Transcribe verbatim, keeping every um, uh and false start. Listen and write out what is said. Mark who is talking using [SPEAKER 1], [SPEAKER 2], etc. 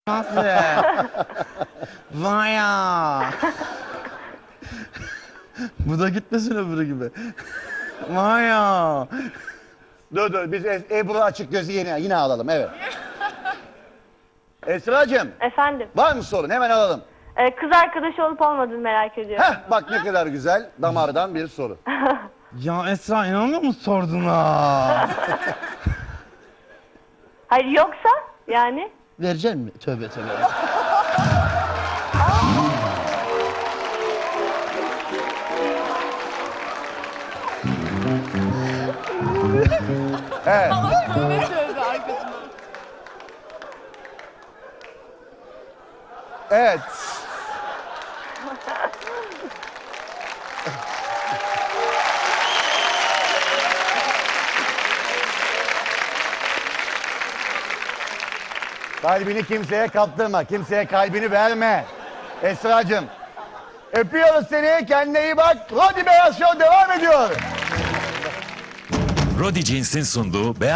[SPEAKER 1] Nasıl? Vay ya. Bu da gitmesin öbürü gibi. Vay ya.
[SPEAKER 2] Dur dur biz Es- Ebru açık gözü yine, yine alalım evet. Esra'cığım
[SPEAKER 3] Efendim,
[SPEAKER 2] var mı sorun hemen alalım.
[SPEAKER 3] e, kız arkadaşı olup olmadığını merak ediyorum.
[SPEAKER 2] Heh bak ne kadar güzel damardan bir soru.
[SPEAKER 1] Ya Esra inanmıyor musun sorduğuna?
[SPEAKER 3] Hayır yoksa yani
[SPEAKER 1] Verecek mi? Tövbe tövbe.
[SPEAKER 2] Evet. Evet. Kalbini kimseye kaptırma, kimseye kalbini verme. Esra'cığım. Öpüyoruz seni, kendine iyi bak. Rodi Beyaz Show devam ediyor.
[SPEAKER 4] Rodi Jeans'in sunduğu Beyaz